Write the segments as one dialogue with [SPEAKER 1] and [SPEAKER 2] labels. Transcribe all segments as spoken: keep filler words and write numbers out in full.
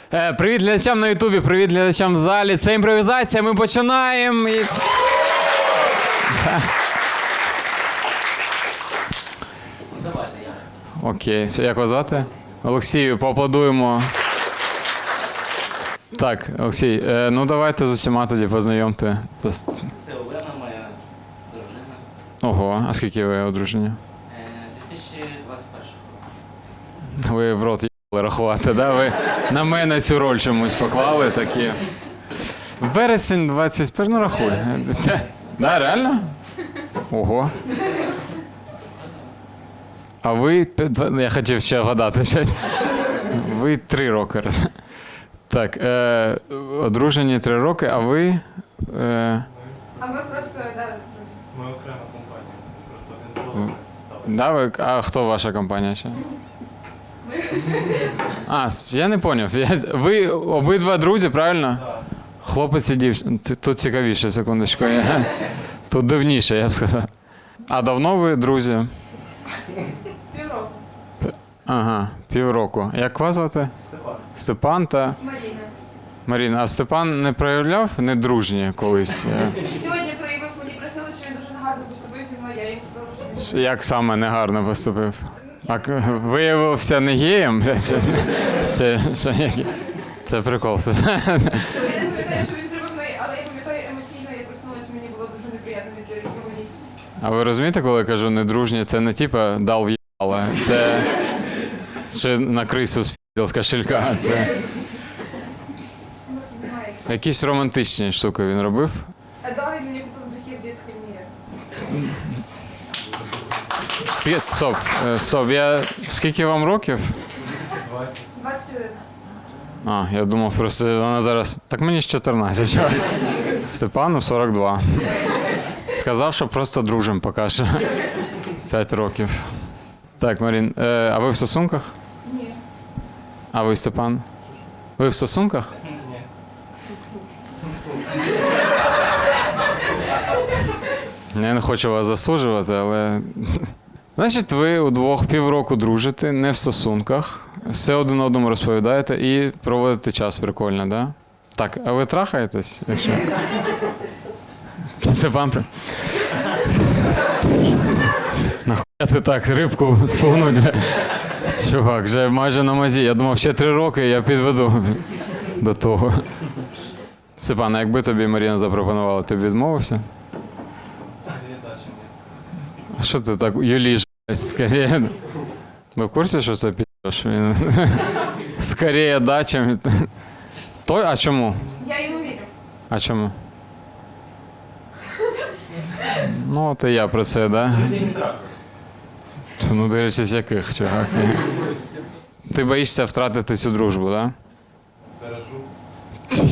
[SPEAKER 1] Е, привіт глядачам на Ютубі, привіт глядачам в залі. Це імпровізація, ми починаємо. І... Окей, як вас звати? Олексію, поаплодуємо. Так, Олексій, е, ну давайте з усіма тоді познайомте.
[SPEAKER 2] Це Олена, моя дружина.
[SPEAKER 1] Ого, а скільки ви одружені?
[SPEAKER 2] З дві тисячі двадцять першого.
[SPEAKER 1] Ви в рот їбали рахувати, да? Ви на мене цю роль чомусь поклали такі. Вересень двадцять перший, ну рахуй. Да, реально? Ого. А ви, я хотів ще вгадати, ви три роки. Так, е, одружені три роки, а ви... Е...
[SPEAKER 3] А ми просто, да.
[SPEAKER 4] Ми окрема компанія. Просто один столик став.
[SPEAKER 1] Да, ви, а хто ваша компанія ще? А, я не зрозумів. Ви обидва друзі, правильно?
[SPEAKER 4] Так.
[SPEAKER 1] Хлопець і дівчина. Тут цікавіше, секундочку. Я... Тут дивніше, я б сказав. А давно ви друзі?
[SPEAKER 3] Півроку.
[SPEAKER 1] Ага, півроку. Як вас звати?
[SPEAKER 4] Степан.
[SPEAKER 1] Степан та
[SPEAKER 3] Маріна.
[SPEAKER 1] Маріна. А Степан не проявляв недружні колись?
[SPEAKER 3] Сьогодні проявив, мені просили, що він дуже негарно поступив зі мною, я їм сказала, що він...
[SPEAKER 1] Як саме негарно поступив? А к- виявився не геєм? блядь, Чи, чи, що, які? Це прикол.
[SPEAKER 3] Я не пам'ятаю, що він зробив, але я пам'ятаю емоційно, я проснулася, мені було дуже неприємно від його місця.
[SPEAKER 1] А ви розумієте, коли я кажу недружні, це не типа дал в'їбало, це чи на крису спіздив з кошелька. Це
[SPEAKER 3] Немає.
[SPEAKER 1] якісь романтичні штуки він робив.
[SPEAKER 3] А да, він мені купив духи в дитячій мірі.
[SPEAKER 1] Всі- Стоп, е, стоп, я... Скільки вам років?
[SPEAKER 4] двадцять.
[SPEAKER 3] двадцять один.
[SPEAKER 1] А, я думав просто вона зараз... Так мені ж чотирнадцять. чого? Степану сорок два. Сказав, що просто дружимо поки що. П'ять років. Так, Марін, е, а ви в стосунках?
[SPEAKER 3] Ні.
[SPEAKER 1] А ви, Степан? Ви в стосунках?
[SPEAKER 4] Ні.
[SPEAKER 1] Я не хочу вас засуджувати, але... Значить, ви удвох півроку дружите, не в стосунках, все один одному розповідаєте і проводите час прикольно, так? Да? Так, а ви трахаєтесь, якщо? Степан... при- Нахуя ти так рибку сповнуть? Чувак, вже майже на мазі. Я думав, ще три роки я підведу до того. Степан, а якби тобі Маріна запропонувала, ти б відмовився?
[SPEAKER 4] Скоріше дача ні.
[SPEAKER 1] А що ти так юліш, блядь, скоріше? Ви в курсі, що це пі***ш? Він... Скоріше дача. Той? А чому?
[SPEAKER 3] Я йому вірю.
[SPEAKER 1] А чому? Ну, от і я про це, да?
[SPEAKER 4] Друзі не трахаю.
[SPEAKER 1] Ну, дивлячись, яких, чувак. Ти боїшся втратити цю дружбу, да?
[SPEAKER 4] Бережу.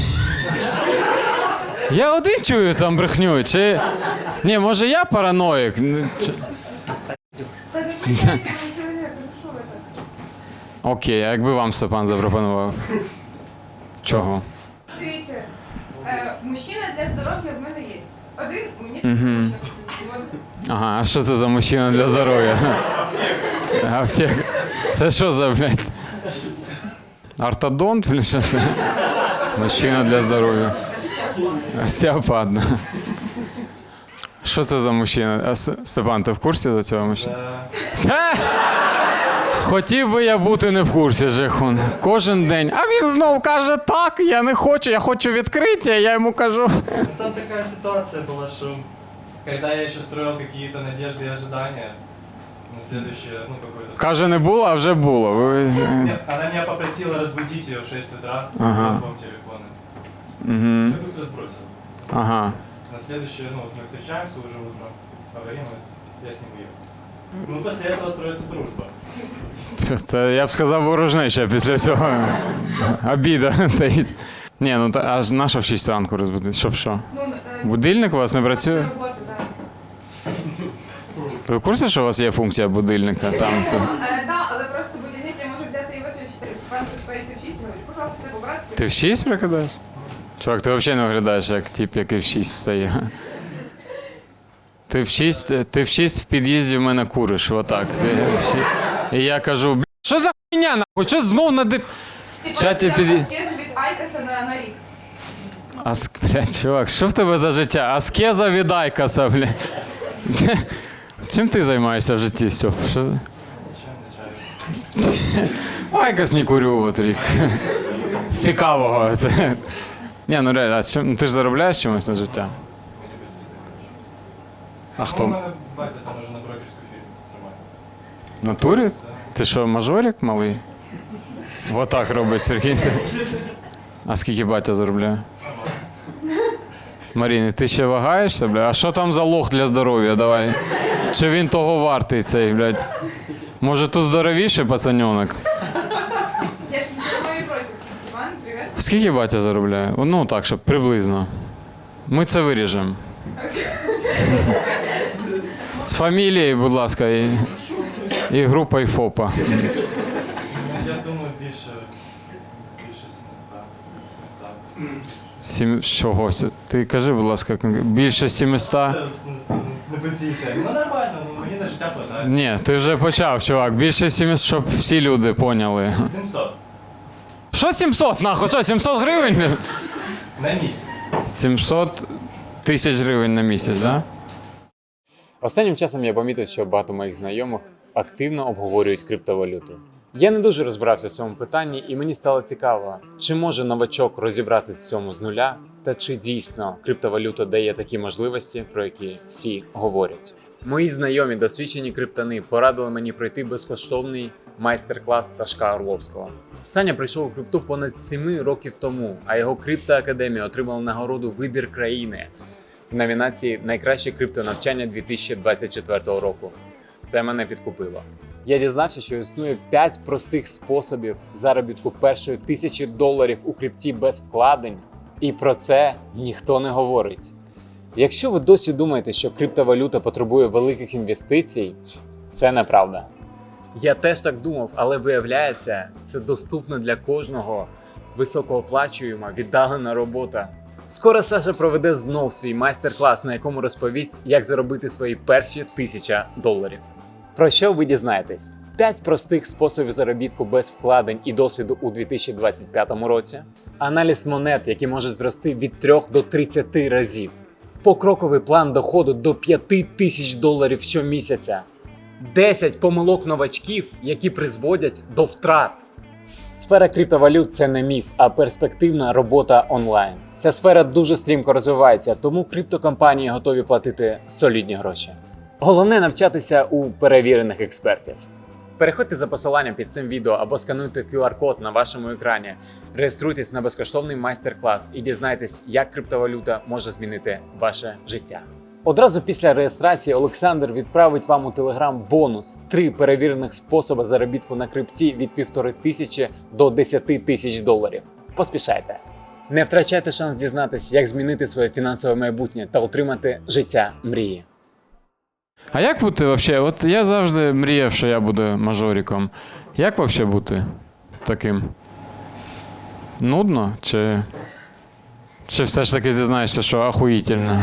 [SPEAKER 1] Я один чую там брехню, чи... Ні, може я параноїк? Ну, чи-
[SPEAKER 3] Та не смішайте мені чоловік, ну що ви так?
[SPEAKER 1] Окей, а якби вам Степан запропонував? Чого?
[SPEAKER 3] Дивіться, е, мужчина для здоров'я в мене є. Один, мені
[SPEAKER 1] Мгм.
[SPEAKER 3] точно.
[SPEAKER 1] Ага, а що це за мужчина для здоров'я? Аптека. Це що за, блядь? Ортодонт, блядь, що це? Мужчина для здоров'я. Остеопат. да. Що це за мужчина? А, С- Степан, ти в курсі за цього мужчину?
[SPEAKER 4] Е,
[SPEAKER 1] Та! Хотів би я бути не в курсі, Жехун. Кожен день. А він знов каже, так, я не хочу, я хочу відкриття, я йому кажу.
[SPEAKER 4] ну, там такая ситуация была, что когда я еще строил какие-то надежды и ожидания на следующее, ну, какое-то...
[SPEAKER 1] Каже, не було, а вже було. Ви...
[SPEAKER 4] Нет, она меня попросила разбудить ее в шесть утра
[SPEAKER 1] Ага.
[SPEAKER 4] звонком телефона.
[SPEAKER 1] Угу.
[SPEAKER 4] Я быстро сбросил.
[SPEAKER 1] Ага.
[SPEAKER 4] На следующее, ну, вот мы встречаемся уже утром, говорим, и я с ним уехал. Ну, после этого строится дружба.
[SPEAKER 1] Та я б сказав ворожнеча після цього. Обіда. таїть. Ні, ну та аж на що в шість ранку розбудити? Щоб що?
[SPEAKER 3] Ну, е,
[SPEAKER 1] Будильник у вас не працює?
[SPEAKER 3] на роботу, да.
[SPEAKER 1] Ви в курсі, що у вас є функція будильника? Там, то...
[SPEAKER 3] Е, да, але просто будильник я можу взяти і виключити. Спанки спається в шість, говорю, пожалуйста, по-братськи.
[SPEAKER 1] Ти в шість прикидаєш? Чувак, ти взагалі не виглядаєш як тип, який в шість встає. Ти в шість, ти в шість в під'їзді в мене куриш, отак. Ти в шість. І я кажу, «Бля, що за хуйня, нахуй, що знов на дип...
[SPEAKER 3] Степан
[SPEAKER 1] Чаті
[SPEAKER 3] взяв
[SPEAKER 1] під'їзд.
[SPEAKER 3] носки з айкоса на, на рік.
[SPEAKER 1] Ас... Блядь, чувак, що в тебе за життя? Аскеза від Айкоса, блядь. Чим ти займаєшся в житті, Стьоп? Що...
[SPEAKER 4] Нічого не чаю.
[SPEAKER 1] Айкос не курю от рік. З цікавого. Це... Ні, ну реально, а чим... ну, ти ж заробляєш чимось на життя? А
[SPEAKER 4] Ну,
[SPEAKER 1] хто?
[SPEAKER 4] у мене батя там уже на брокерську фірму тримає.
[SPEAKER 1] В натурі? Це що, мажорик малий? Отак робить, прикиньте. А скільки батя заробляє? Маріни, ти ще вагаєшся, бля? А що там за лох для здоров'я? Давай. Чи він того вартий цей, блядь? Може тут здоровіше пацаньонок?
[SPEAKER 3] Я ж не мої против. Степан, привет.
[SPEAKER 1] Скільки батя заробляє? Ну так, щоб приблизно. Ми це виріжемо. З фамілією, будь ласка, і, і групою ФОПа.
[SPEAKER 4] Ну, я думаю, більше, більше сімсот.
[SPEAKER 1] Сім... Чого? Ти кажи, будь ласка, більше сімсот?
[SPEAKER 4] Не по цій темі. Ну нормально, ну мені на життя хватає.
[SPEAKER 1] Ні, ти вже почав, чувак. Більше сімсот, щоб всі люди поняли.
[SPEAKER 4] сімсот.
[SPEAKER 1] Що сімсот, нахуй? Що, сімсот гривень?
[SPEAKER 4] На місяць.
[SPEAKER 1] сімсот тисяч гривень на місяць, так? Да? Останнім часом я помітив, що багато моїх знайомих активно обговорюють криптовалюту. Я не дуже розбирався в цьому питанні, і мені стало цікаво, чи може новачок розібратися в цьому з нуля, та чи дійсно криптовалюта дає такі можливості, про які всі говорять. Мої знайомі досвідчені криптони порадили мені пройти безкоштовний майстер-клас Сашка Орловського. Саня прийшов у крипту понад сім років тому, а його криптоакадемія отримала нагороду «Вибір країни» в номінації «Найкраще криптонавчання дві тисячі двадцять четвертого року». Це мене підкупило. Я дізнався, що існує п'ять простих способів заробітку першої тисячі доларів у крипті без вкладень, і про це ніхто не говорить. Якщо ви досі думаєте, що криптовалюта потребує великих інвестицій, це неправда. Я теж так думав, але виявляється, це доступно для кожного, високооплачуєма, віддалена робота. Скоро Саша проведе знов свій майстер-клас, на якому розповість, як заробити свої перші тисяча доларів. Про що ви дізнаєтесь? п'ять простих способів заробітку без вкладень і досвіду у дві тисячі двадцять п'ятому році, аналіз монет, які може зрости від трьох до тридцяти разів, покроковий план доходу до п'яти тисяч доларів щомісяця, десять помилок новачків, які призводять до втрат. Сфера криптовалют – це не міф, а перспективна робота онлайн. Ця сфера дуже стрімко розвивається, тому криптокомпанії готові платити солідні гроші. Головне навчатися у перевірених експертів. Переходьте за посиланням під цим відео або скануйте кю ар-код на вашому екрані. Реєструйтесь на безкоштовний майстер-клас і дізнайтесь, як криптовалюта може змінити ваше життя. Одразу після реєстрації Олександр відправить вам у Телеграм бонус – три перевірених способи заробітку на крипті від півтори тисячі до десяти тисяч доларів. Поспішайте! Не втрачайте шанс дізнатись, як змінити своє фінансове майбутнє та отримати життя мрії. А як бути взагалі? От я завжди мріяв, що я буду мажориком. Як взагалі бути таким? Нудно? Чи, чи все ж таки зізнаєшся, що ахуїтельно?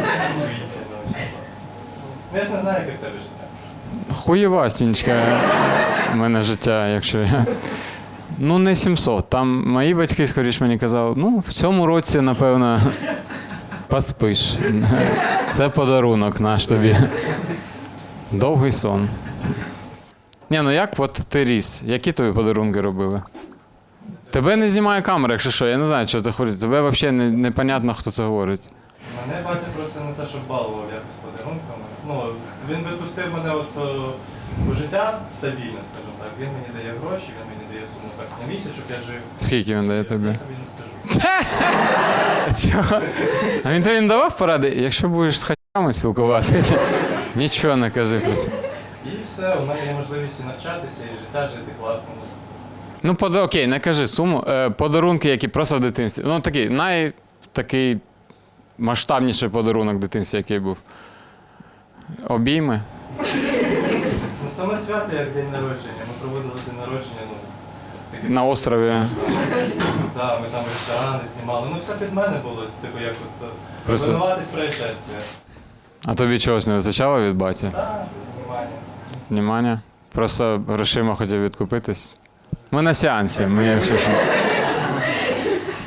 [SPEAKER 4] Ну я ж не знаю, яке в тебе життя.
[SPEAKER 1] Хуєвастінечка в мене життя, якщо я... Ну, не сімсот. Там мої батьки, скоріш мені казали, ну, в цьому році, напевно, поспиш. Це подарунок наш тобі. Довгий сон. Ні, ну як от ти ріс? Які тобі подарунки робили? Тебе не знімає камера, якщо що, я не знаю, що ти говориш. Тебе взагалі не, непонятно, хто це говорить.
[SPEAKER 4] Мене батя просто не те, що балував якось подарунками. Ну, він випустив мене от о, у життя стабільно, скажімо так. Він мені дає гроші, він мені дає суму так на місяць, щоб я жив.
[SPEAKER 1] Скільки він дає тобі?
[SPEAKER 4] Я тобі не скажу.
[SPEAKER 1] Чого? А він тобі не давав поради? Якщо будеш з хатями спілкуватися, нічого не кажи про це.
[SPEAKER 4] І все, у мене є можливість і навчатися, і життя жити класно.
[SPEAKER 1] Ну, под... окей, не кажи суму. Е, подарунки, які просто в дитинстві. Ну, такий, най... такий масштабніший подарунок в дитинстві, який був. Обійми.
[SPEAKER 4] Ну, саме свято, як день народження. Ми проводили день народження, ну, таке.
[SPEAKER 1] На острові.
[SPEAKER 4] Так, ми там ресторани знімали. Ну, все під мене було, типу, як от
[SPEAKER 1] Просто-
[SPEAKER 4] розвинуватись происшествия.
[SPEAKER 1] А тобі чогось не вистачало від баті?
[SPEAKER 4] Так, внимання.
[SPEAKER 1] Внимання? Просто грошима хотів відкупитись. Ми на сеансі, ми якщо що.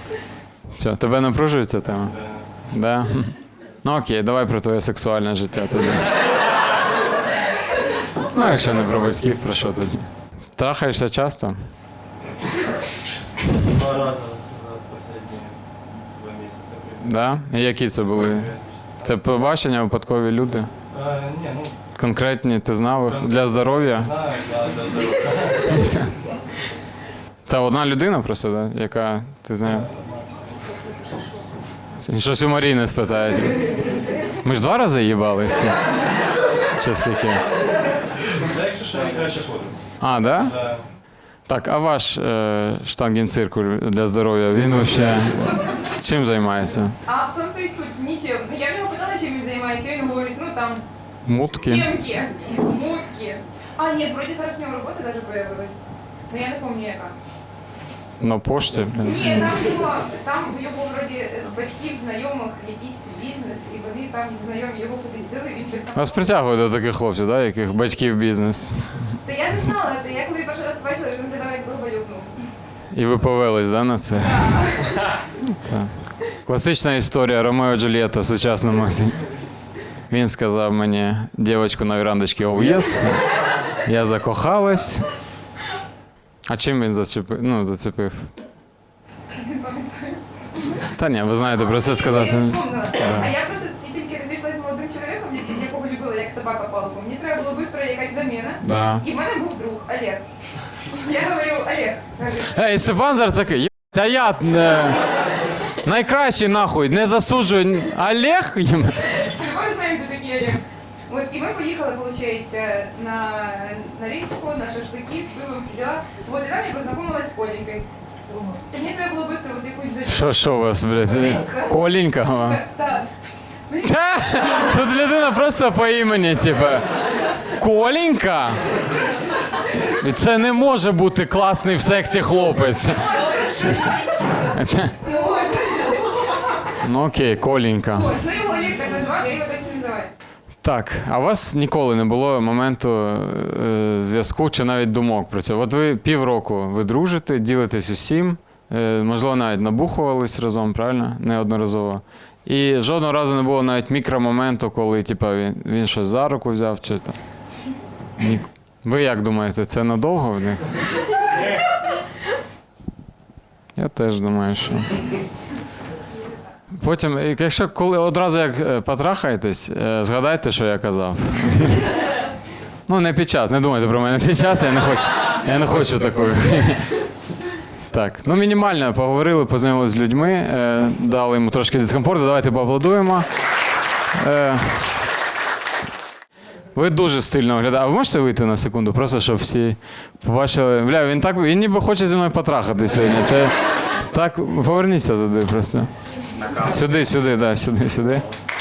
[SPEAKER 1] Все, тебе напружує ця тема?
[SPEAKER 4] Е,
[SPEAKER 1] Да? Ну окей, давай про твоє сексуальне життя тоді. Ну, якщо не про батьків, про що тоді? Трахаєшся часто?
[SPEAKER 4] Два рази за останні два місяці.
[SPEAKER 1] Да? І які це були? Це побачення, випадкові люди?
[SPEAKER 4] Е, Ні, ну,
[SPEAKER 1] Конкретні, ти знав їх? Для здоров'я?
[SPEAKER 4] знаю, да, для здоров'я.
[SPEAKER 1] Це одна людина просто, да? Яка, ти знаєш? Щось у Маріни спитають. Ми ж два рази їбалися? Чи скільки?
[SPEAKER 4] Це якщо що, найкраще фото.
[SPEAKER 1] А, да?
[SPEAKER 4] Да.
[SPEAKER 1] Так, а ваш е, штангенциркуль для здоров'я, він взагалі чим займається?
[SPEAKER 3] А в тому то й суть, нічим. Я в нього питала, чим він займається, він говорить, ну там,
[SPEAKER 1] Мутки?
[SPEAKER 3] п'ємки, мутки. А, ні, вроді зараз в нього робота навіть появилась. Ну я не пам'ятаю яка.
[SPEAKER 1] На пошті? Блін.
[SPEAKER 3] Ні, там його, там в його вроді батьків, знайомих, якийсь бізнес, і вони там знайомі його кудись взяли, він щось там.
[SPEAKER 1] Вас притягує до таких хлопців, да, яких батьків бізнес.
[SPEAKER 3] Та я не знала, та я коли перший раз бачила, він тебе навіть грубо.
[SPEAKER 1] І ви повелись, да, на це? Це класична історія Ромео і Джульєта в сучасному. Він сказав мені, дівчинку на верандочці, оу єс. Я закохалась. А чим він зачепив? Ну, зацепив?
[SPEAKER 3] Не пам'ятаю.
[SPEAKER 1] Та ні, ви знаєте, про це сказати.
[SPEAKER 3] Я вспомнила. А я просто тільки розійшлася з молодим чоловіком, якого любила як собака палку. Мені треба було швидко якась заміна.
[SPEAKER 1] Да.
[SPEAKER 3] І в мене був друг Олег. Я говорю, Олег, говорю,
[SPEAKER 1] Ей, Степан зараз такий, «Єбать, а я е, найкращий нахуй, не засуджую. Олег?
[SPEAKER 3] ми знаємо, хто такий Олег. От, і ми поїхали, виходить, на, на річку, на шашлики, з пивом, всі діла. От, і там я познайомилась з Коленькою. І мені треба було швидко от якусь заміну.
[SPEAKER 1] Що, що у вас, блядь? Коленька? вам?
[SPEAKER 3] Так,
[SPEAKER 1] Ха! Тут людина просто по імені, типа. Коленька? І це не може бути класний в сексі хлопець.
[SPEAKER 3] може.
[SPEAKER 1] Ну окей, Коленька.
[SPEAKER 3] От, ну його Олег так назвав, я його так і називаю.
[SPEAKER 1] Так, а у вас ніколи не було моменту е, зв'язку чи навіть думок про це? От ви півроку ви дружите, ділитесь усім, е, можливо, навіть набухувались разом, правильно? Неодноразово. І жодного разу не було навіть мікромоменту, коли типа, він, він щось за руку взяв чи там. Ні. Ви як думаєте, це надовго в них? Я теж думаю, що. Потім, якщо коли одразу як е, потрахаєтесь, е, згадайте, що я казав. Ну, не під час, не думайте про мене під час, я не хочу, я не хочу такої. Так, ну мінімально поговорили, познайомилися з людьми, е, дали йому трошки дискомфорту, давайте поаплодуємо. Е, ви дуже стильно виглядаєте. А ви можете вийти на секунду, просто щоб всі побачили. Бля, він так, він ніби хоче зі мною потрахати сьогодні. Чи... Так, поверніться туди просто. Сюди, сюди, да, сюди, сюди.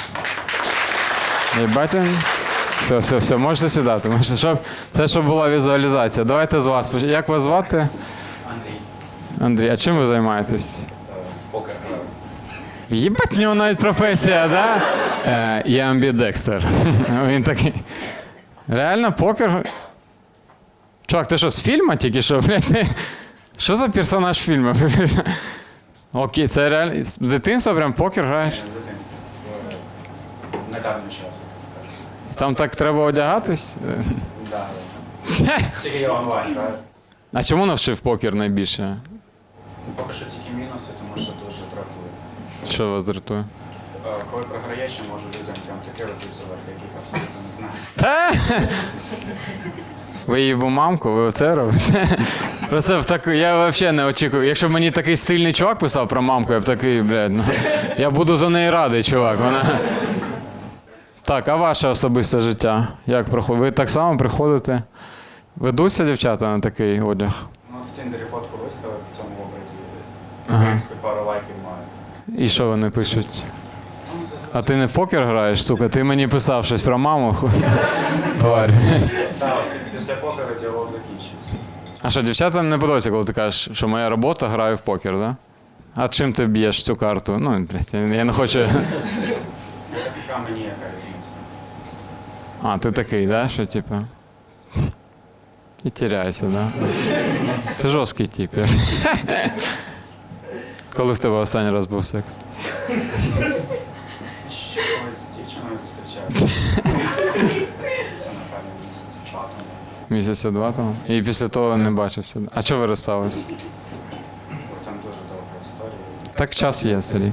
[SPEAKER 1] Єбать. Все, все, все, можете сідати. Можете, щоб... Це щоб була візуалізація. Давайте з вас. поч- Як вас звати?
[SPEAKER 2] Андрій.
[SPEAKER 1] Андрій, а чим ви займаєтесь?
[SPEAKER 2] В покер граю.
[SPEAKER 1] Єбать, в нього навіть професія, да? Е, я амбідекстер. Він такий. Реально, покер? Чувак, ти що, з фільму тільки що, блядь? Ти... Що за персонаж фільму? Окей, це реально. З дитинства прям покер граєш?
[SPEAKER 5] З дитинства, з недавнього часу, так скажу.
[SPEAKER 1] Там так треба одягатись?
[SPEAKER 5] Да, да. Тільки я онлайн граю.
[SPEAKER 1] А чому навчив покер найбільше?
[SPEAKER 5] Ну, поки що тільки мінуси, тому що дуже дратує.
[SPEAKER 1] Що вас дратує?
[SPEAKER 5] Е, Коли програєш, я можу людям прям таке виписувати, яких абсолютно не знаю.
[SPEAKER 1] Та? Ви її мамку, ви оце робите? Просто в таку, я взагалі не очікую. Якщо б мені такий стильний чувак писав про мамку, я б такий, блядь, ну, я буду за неї радий, чувак. Вона... Так, а ваше особисте життя? Як проходить? Ви так само приходите? Ведуться дівчата на такий одяг?
[SPEAKER 5] Ну, в Тіндері фотку виставив в цьому образі.
[SPEAKER 1] Ага.
[SPEAKER 5] В принципі, пару лайків маю.
[SPEAKER 1] І що вони пишуть?
[SPEAKER 5] Ну, зазвичай.
[SPEAKER 1] А ти не в покер граєш, сука? Ти мені писав щось про маму? Тварь.
[SPEAKER 5] Так, після покеру діалог закінчується.
[SPEAKER 1] А що, дівчатам не подобається, коли ти кажеш, що моя робота, граю в покер, так? Да? А чим ти б'єш цю карту? Ну, блядь, я я не хочу.
[SPEAKER 5] Яка мені яка різниця?
[SPEAKER 1] А, ти такий, да? Що типу. І тіряйся, да? Це жорсткий тип. я. Коли в тебе останній раз був секс?
[SPEAKER 5] Ще колись з дівчиною зустрічався. Це, напевно, місяці два тому.
[SPEAKER 1] Місяця два тому? І після того не бачився. А чого ви розстались?
[SPEAKER 5] Бо там дуже довга історія.
[SPEAKER 1] Так час є, Сергій.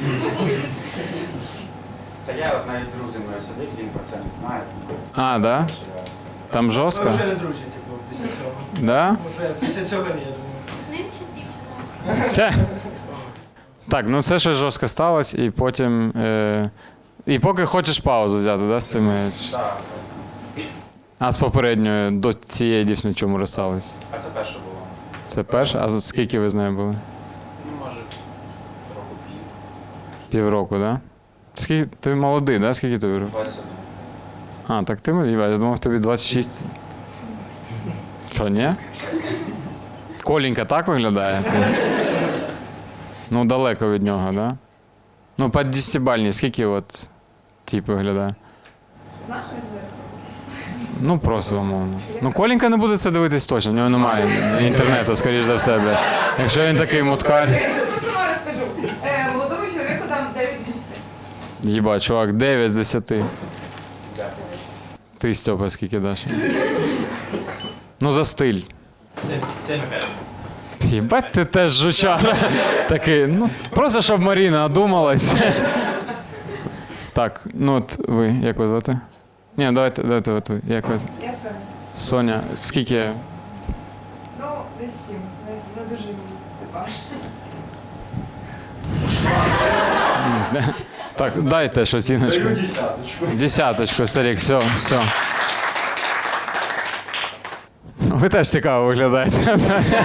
[SPEAKER 5] Та я от навіть друг зі мною сидить, він про це не знає, тому
[SPEAKER 1] А, да?
[SPEAKER 5] що я
[SPEAKER 1] Там
[SPEAKER 6] Ми
[SPEAKER 1] жорстко?
[SPEAKER 6] вже не друзі, типу, після цього.
[SPEAKER 1] Да?
[SPEAKER 6] Вже після цього ні, я думаю.
[SPEAKER 7] З ним чи з дівчиною?
[SPEAKER 1] Та. Так, ну все щось жорстко сталося, і потім. Е... І поки хочеш паузу взяти, да, з цими.
[SPEAKER 5] Так,
[SPEAKER 1] А з попередньою до цієї дівчини чому розстались?
[SPEAKER 5] а це перше було.
[SPEAKER 1] Це перше? А за скільки ви з нею були?
[SPEAKER 5] Ну, може, року пів,
[SPEAKER 1] Півроку, так? Да? Скільки ти молодий, да? Скільки тобі років?
[SPEAKER 5] двадцять один.
[SPEAKER 1] А, так ти молодий, я думав, тобі двадцять шість. Що, ні? Коленька так виглядає? Ну, далеко від нього, да? Ну, по десятибальній, скільки от тип виглядає?
[SPEAKER 3] Наш не зараз.
[SPEAKER 1] Ну, просто умовно. Ну, Коленька не буде це дивитись точно, в нього немає інтернету, скоріш за все, бля. Якщо він такий муткар.
[SPEAKER 3] Я тут сама розкажу. Е, молодому чоловіку там дев'ять з десяти.
[SPEAKER 1] Їба, чувак, дев'ять з десяти.
[SPEAKER 5] Дякую.
[SPEAKER 1] Ти, Стьопа, скільки даш? Ну, за стиль.
[SPEAKER 4] сім і п'ять.
[SPEAKER 1] Їбать, ти теж жучара. Такий, ну, просто щоб Маріна одумалась. Так, ну от ви, як ви звати? Ні, давайте, давайте от ви. Як ви?
[SPEAKER 3] Я Соня.
[SPEAKER 1] Соня, скільки?
[SPEAKER 3] Ну, десь сім. Не, не дуже типаж.
[SPEAKER 1] Так, дайте ж оціночку.
[SPEAKER 4] Даю десяточку.
[SPEAKER 1] Десяточку, Сарік, все, все. Ви теж цікаво виглядаєте.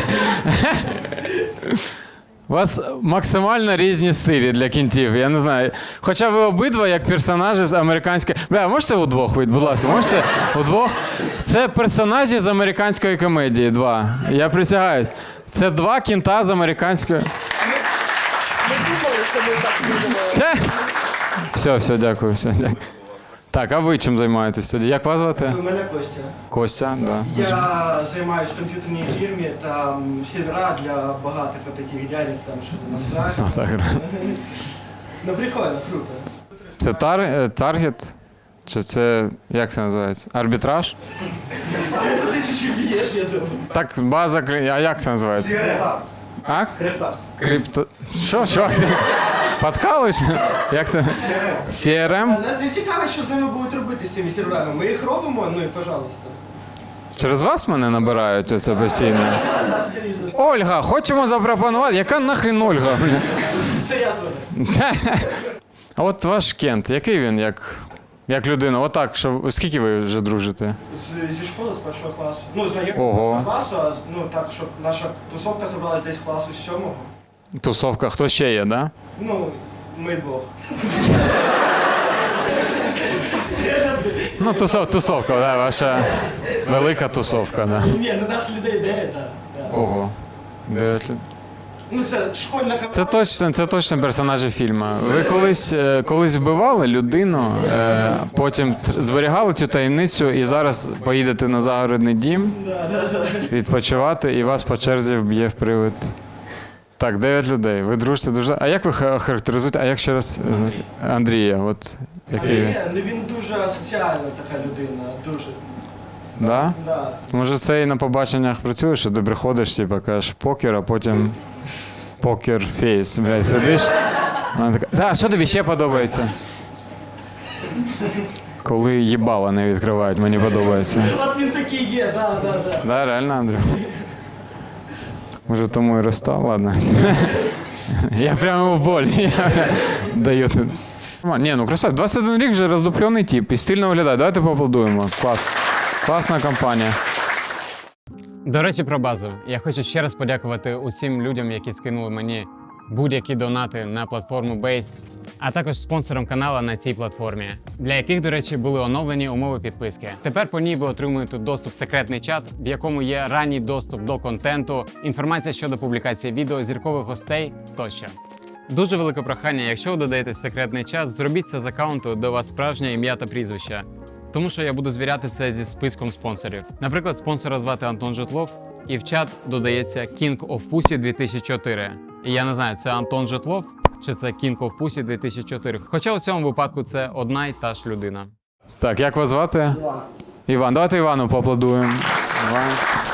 [SPEAKER 1] У вас максимально різні стилі для кінтів, я не знаю. Хоча ви обидва як персонажі з американської... Бля, можете удвох вийти, будь ласка, можете удвох? Це персонажі з американської комедії, два. Я присягаюсь. Це два кінта з американської...
[SPEAKER 6] Ми думали, що ми так будемо.
[SPEAKER 1] Це... Все, все, дякую, все, дякую. Так, а ви чим займаєтесь тоді? Як вас звати?
[SPEAKER 6] У мене Костя.
[SPEAKER 1] Костя, да.
[SPEAKER 6] Я займаюся в комп'ютерній фірмі, там сервера для багатих таких дядек, там що настраюють.
[SPEAKER 1] О, так.
[SPEAKER 6] Ну прикольно, круто.
[SPEAKER 1] Це тар... е, таргет? Чи це, як це називається? Арбітраж?
[SPEAKER 6] Саме туди чуть-чуть б'єш, я думаю.
[SPEAKER 1] Так, база, клі- а як це називається?
[SPEAKER 6] Крипта.
[SPEAKER 1] А?
[SPEAKER 6] Крипта.
[SPEAKER 1] Крипто... Що, що? Ти подкалуєш? Як це? сі ар ем?
[SPEAKER 6] Нас не цікаво, що з ними будуть робити з цими серверами. Ми їх робимо, ну і пожалуйста.
[SPEAKER 1] Через вас мене набирають оце постійно?
[SPEAKER 6] Да, скоріше.
[SPEAKER 1] Ольга, хочемо запропонувати. Яка нахрін Ольга?
[SPEAKER 6] Це я звоню.
[SPEAKER 1] А от ваш Кент, який він як, як людина? Отак, що скільки ви вже дружите?
[SPEAKER 6] З, зі школи, з першого класу. Ну, знайомі
[SPEAKER 1] Ого.
[SPEAKER 6] з класу, а з- ну так, щоб наша тусовка забрала десь класу з сьомого.
[SPEAKER 1] Тусовка, хто ще є, да?
[SPEAKER 6] Ну, ми двох.
[SPEAKER 1] Ну, тусов, тусовка, да, ваша велика тусовка, да.
[SPEAKER 6] Ні, ну нас людей дев'ять, так. Да.
[SPEAKER 1] Ого. Дев'ять людей.
[SPEAKER 6] Ну це школьна команда.
[SPEAKER 1] Це точно, це точно персонажі фільму. Ви колись, е, колись вбивали людину, е, потім тр- зберігали цю таємницю і зараз поїдете на загородний дім
[SPEAKER 6] Да, да, да.
[SPEAKER 1] відпочивати, і вас по черзі вб'є в привид. Так, дев'ять людей. Ви дружите дуже. А як ви ха- характеризуєте? А як ще раз е, знаєте? Андрія? От який він?
[SPEAKER 6] Ні, ну він дуже асоціальна така людина, дуже.
[SPEAKER 1] Да?
[SPEAKER 6] Да.
[SPEAKER 1] Може, це і на побаченнях працює, що ти приходиш, типу, кажеш покер, а потім покер фейс. Блядь, сидиш. Вона така, да, що тобі ще подобається? Коли їбала не відкривають, мені подобається.
[SPEAKER 6] От він такий є, да, да, да.
[SPEAKER 1] Да, реально, Андрій? Може, тому і розстав, ладно. Я прямо в болі. Я даю. Ні, ну красавець, двадцять один рік вже роздуплений тип і стильно виглядає. Давайте поаплодуємо. Клас. Класна компанія. До речі, про базу. Я хочу ще раз подякувати усім людям, які скинули мені будь-які донати на платформу Base, а також спонсорам каналу на цій платформі, для яких, до речі, були оновлені умови підписки. Тепер по ній ви отримуєте доступ в секретний чат, в якому є ранній доступ до контенту, інформація щодо публікації відео, зіркових гостей тощо. Дуже велике прохання, якщо ви додаєте секретний чат, зробіть це з аккаунту, де у вас справжнє ім'я та прізвище. Тому що я буду звіряти це зі списком спонсорів. Наприклад, спонсора звати Антон Житлов, і в чат додається King of Pussy дві тисячі чотири. І я не знаю, це Антон Житлов чи це King of Pussy дві тисячі чотири. Хоча у цьому випадку це одна й та ж людина. Так, як вас звати?
[SPEAKER 6] Іван.
[SPEAKER 1] Іван. Давайте Івану поаплодуємо. Іван.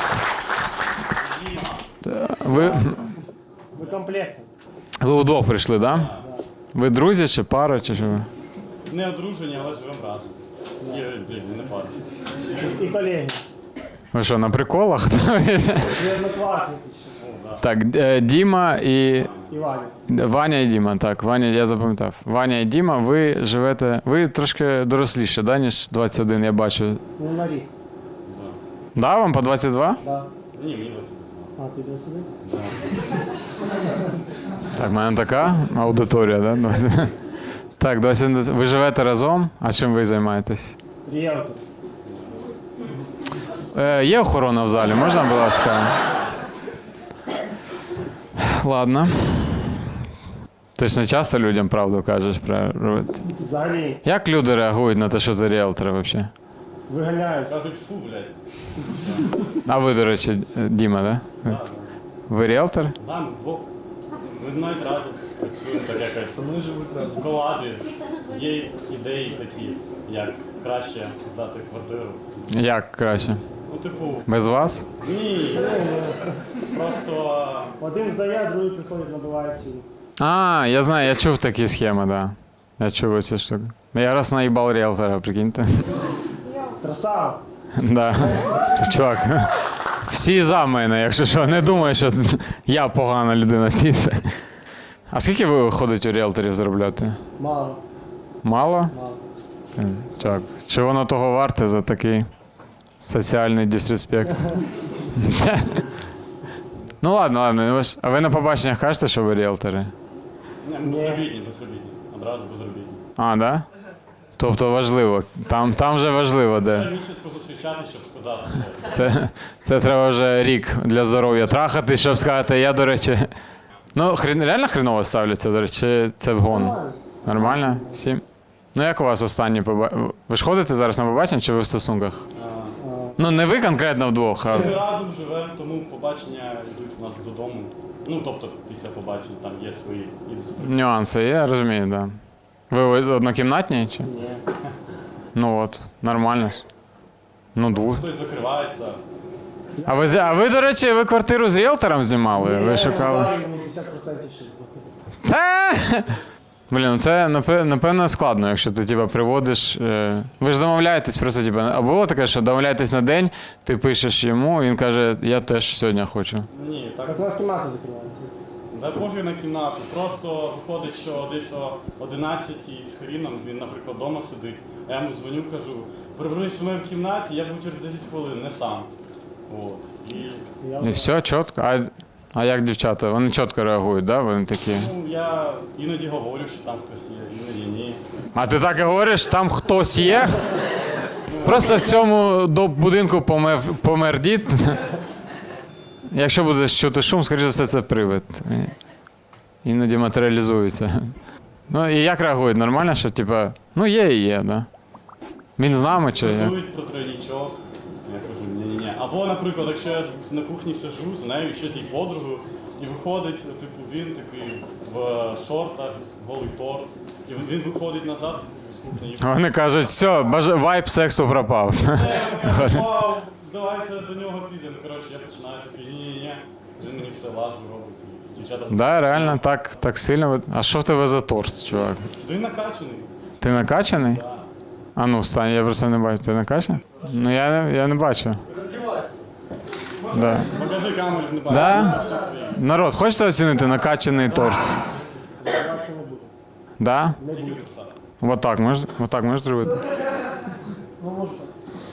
[SPEAKER 1] Та, Ви,
[SPEAKER 6] Ви комплектом.
[SPEAKER 1] ви удвох прийшли, так? Да? Ви друзі чи пара, чи що ви?
[SPEAKER 8] Не одружені, але живемо разом. Ні, блін, не пара.
[SPEAKER 6] І колеги.
[SPEAKER 1] Ви що, на приколах?
[SPEAKER 6] Ви однокласники ще.
[SPEAKER 1] Так, е, Діма і
[SPEAKER 6] Івані.
[SPEAKER 1] Ваня і Діма, так, Ваня, я запам'ятав. Ваня і Діма, ви живете, ви трошки доросліше, да, ніж двадцять один, я бачу.
[SPEAKER 6] Ну, на рік.
[SPEAKER 1] Да, вам по двадцять два?
[SPEAKER 6] Да.
[SPEAKER 8] Ні, мені двадцять.
[SPEAKER 6] А, ти де сидиш?
[SPEAKER 1] Так, в мене така аудиторія, да? Так, двадцять один. Ви живете разом, а чим ви займаєтесь?
[SPEAKER 6] Ріелтор.
[SPEAKER 1] Е, є охорона в залі, можна, будь ласка? Ладно. Ти ж не часто людям правду кажеш про робити.
[SPEAKER 6] Взагалі
[SPEAKER 1] Як люди реагують на те, що ти ріелтор взагалі?
[SPEAKER 6] виганяють.
[SPEAKER 8] Кажуть, фу, блядь.
[SPEAKER 1] А ви, до речі, Діма, да?
[SPEAKER 8] Да, да.
[SPEAKER 1] Ви ріелтор?
[SPEAKER 8] Да, ми вдвох. Ми навіть разом працюємо так якось. Ми живуть разом. В колабі є ідеї такі, як краще здати квартиру.
[SPEAKER 1] Як краще?
[SPEAKER 8] Ну, типу,
[SPEAKER 1] Без вас?
[SPEAKER 8] ні. Просто
[SPEAKER 6] Один здає, другий приходить, набиває ціну.
[SPEAKER 1] А, я знаю, я чув такі схеми, да. Я чув ці штуки. Я раз наїбав ріелтора, прикиньте.
[SPEAKER 6] Красава.
[SPEAKER 1] Да. Чувак, всі за мене, якщо що, не думаю, що я погана людина стійте. А скільки ви виходить у ріелторів заробляти?
[SPEAKER 6] Мало.
[SPEAKER 1] Мало?
[SPEAKER 6] Мало.
[SPEAKER 1] Блін, Чувак, чи воно того варте за такий соціальний дисреспект? Ну ладно, ладно. ви ж- А ви на побаченнях кажете, що ви ріелтори?
[SPEAKER 8] ні, ми безробітні, безробітні. Одразу безробітні.
[SPEAKER 1] А, да? Тобто важливо. Там, там вже важливо, де.
[SPEAKER 8] Треба місяць позустрічати, щоб сказати, що
[SPEAKER 1] Це, це треба вже рік для здоров'я трахати, щоб сказати, я, до речі. Ну, хрен, реально хреново ставляться, до речі, чи це вгон?
[SPEAKER 6] Нормально.
[SPEAKER 1] Нормально? Всім? Ну, як у вас останні побачення? Ви ж ходите зараз на побачення чи ви в стосунках?
[SPEAKER 8] а,
[SPEAKER 1] Ну, не ви конкретно вдвох, а.
[SPEAKER 8] ми разом живемо, тому побачення йдуть у нас додому. Ну, тобто, після побачень там є свої.
[SPEAKER 1] Нюанси, я розумію, так. Да. Ви однокімнатні чи?
[SPEAKER 6] Ні.
[SPEAKER 1] Ну от, нормально ж. Ну, двох.
[SPEAKER 8] Хтось закривається.
[SPEAKER 1] А ви, з- а ви, до речі, ви квартиру з ріелтором знімали? Ви шукали?
[SPEAKER 6] Я мені п'ятдесят відсотків ще заплатили.
[SPEAKER 1] Та! Блін, ну це напе- напевно складно, якщо ти типа приводиш. Е... Ви ж домовляєтесь просто, типа, а було таке, що домовляєтесь на день, ти пишеш йому, він каже, я теж сьогодні хочу.
[SPEAKER 8] Ні, так.
[SPEAKER 6] Так у нас кімната закривається.
[SPEAKER 8] Да пофіг на кімнату. Просто виходить, що десь о одинадцятій з хріном він, наприклад, вдома сидить, а я йому дзвоню, кажу, приберись у мене в кімнаті, я буду через десять хвилин, не сам. От. І
[SPEAKER 1] І все, чітко. А, а як дівчата? Вони чітко реагують, да? Вони такі.
[SPEAKER 8] ну, я іноді говорю, що там хтось є, іноді ні.
[SPEAKER 1] А ти так і говориш, там хтось є? Просто в цьому до будинку помер, помер дід. Якщо будеш чути шум, скоріше за все, це привид. Іноді матеріалізується. Ну і як реагують? Нормально, що типа, ну є і є, да? Він з нами чи як?
[SPEAKER 8] Готують про тройнічок. Я кажу, ні-ні-ні. Або, наприклад, якщо я з- на кухні сижу з нею, ще з її подругою, і виходить, типу, він такий в шортах, голий торс, і він- він виходить назад з кухні. і
[SPEAKER 1] Вони кажуть, все, баж... вайб сексу пропав.
[SPEAKER 8] Я кажу, вау, давайте до нього підемо. Коротше, я починаю такий, ні-ні-ні. Він мені все лажу робить. І дівчата,
[SPEAKER 1] Да, реально, так, так сильно. ви- А що в тебе за торс, чувак?
[SPEAKER 8] да він накачаний.
[SPEAKER 1] Ти накачаний?
[SPEAKER 8] Да.
[SPEAKER 1] А ну, встань, я просто не бачу. Ти накачаний? Ну я, не- я не бачу. Да.
[SPEAKER 8] Покажи камеру, не бачиш.
[SPEAKER 1] Да?
[SPEAKER 8] Все своє.
[SPEAKER 1] Народ, хочете оцінити накачаний торс?
[SPEAKER 6] Я це не буду.
[SPEAKER 1] Да?
[SPEAKER 6] Не буду.
[SPEAKER 1] Вот так, можеш, вот так можеш зробити?
[SPEAKER 6] Ну, може так.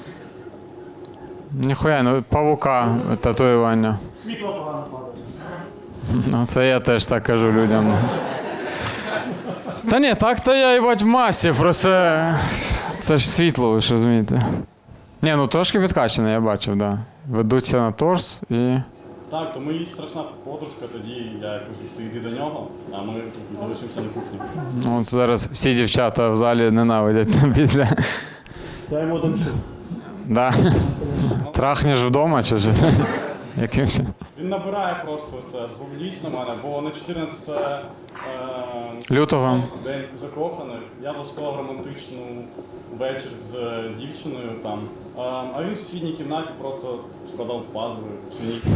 [SPEAKER 1] Ніхуя, ну павука татуювання.
[SPEAKER 6] Світло погано падає.
[SPEAKER 1] Ну, це я теж так кажу людям. Та ні, так-то я їбать в масі, просто це ж світло, ви ж розумієте. Ні, ну трошки підкачаний, я бачив, да. Ведуться на торс і.
[SPEAKER 8] Так, тому їй страшна подружка, тоді я кажу, ти йди до нього, а ми тут залишимося на кухні.
[SPEAKER 1] Ну, от зараз всі дівчата в залі ненавидять після.
[SPEAKER 6] Я йому домшу.
[SPEAKER 1] Да. Трахнеш вдома чи що? Якимось.
[SPEAKER 8] Він набирає просто це, злість на мене, бо на чотирнадцяте е,
[SPEAKER 1] Лютого.
[SPEAKER 8] день закоханих я влаштував романтичну вечір з дівчиною там. Е, а він в сусідній кімнаті просто складав пазли всю ніч.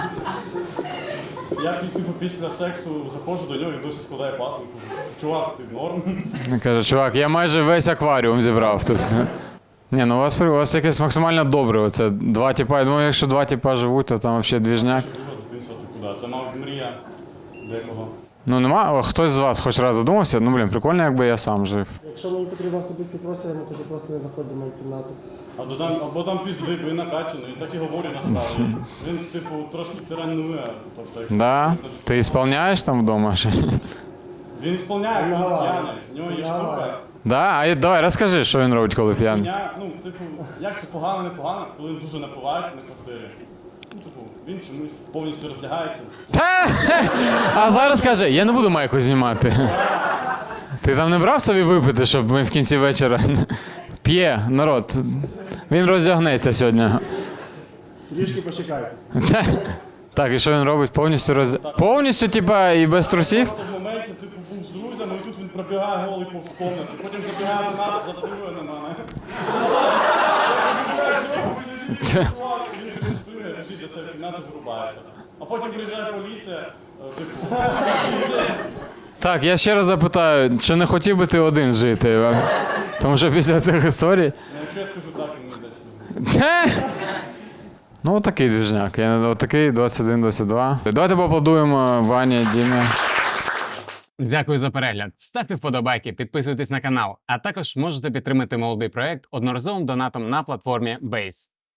[SPEAKER 8] Я типу після сексу заходжу до нього і досі складає пазли. Кажу, чувак, ти норм?
[SPEAKER 1] Він каже, чувак, я майже весь акваріум зібрав тут. Ні, ну у вас, при- у вас якесь максимально добре. Оце два типа. Я думаю, якщо два типа живуть, то там взагалі двіжняк.
[SPEAKER 8] Що друга дитинства, ти куди? Це, мабуть, мрія декого.
[SPEAKER 1] Ну нема, О, хтось з вас хоч раз задумався, ну блін, прикольно, якби я сам жив.
[SPEAKER 9] Якщо мені потрібен особистий простір, я йому кажу, просто не заходь до моєї кімнати.
[SPEAKER 8] Або там, або там піздик, він накачаний, і так і говорю насправді. Він, типу, трошки тиранує. Тобто, якщо
[SPEAKER 1] Да?
[SPEAKER 8] чесно,
[SPEAKER 1] Ти ісполняєш там вдома? Чи ні?
[SPEAKER 8] він ісполняє, коли
[SPEAKER 9] Ага.
[SPEAKER 8] п'яний. В нього є штука.
[SPEAKER 1] Да? А я- давай розкажи, що він робить, коли п'яний.
[SPEAKER 8] Меня, ну, типу, як це погано, не погано, коли він дуже напивається на квартирі. Ну, типу, він чомусь повністю роздягається.
[SPEAKER 1] Та! А зараз каже, я не буду майку знімати. Ти там не брав собі випити, щоб ми в кінці вечора п'є, народ. Він роздягнеться сьогодні.
[SPEAKER 9] Трішки почекайте.
[SPEAKER 1] Та- Так, і що він робить? Повністю роз... Повністю, типа, і без трусів?
[SPEAKER 8] Просто в моменті, типу, був з друзями, і тут він пробігає голий повз комнату, потім забігає до нас, задивує на мене. Він демонструє, біжить до себе в кімнату, вирубається. А потім приїжджає поліція, е, типу,
[SPEAKER 1] Так, я ще раз запитаю, чи не хотів би ти один жити? Тому що після цих історій.
[SPEAKER 8] ну, якщо я скажу так, він не дасть.
[SPEAKER 1] Та! Ну, отакий двіжняк. Я не отакий двадцять один двадцять два. Давайте поаплодуємо Вані, Дімі.
[SPEAKER 10] Дякую за перегляд. Ставте вподобайки, підписуйтесь на канал, а також можете підтримати молодий проект одноразовим донатом на платформі Base.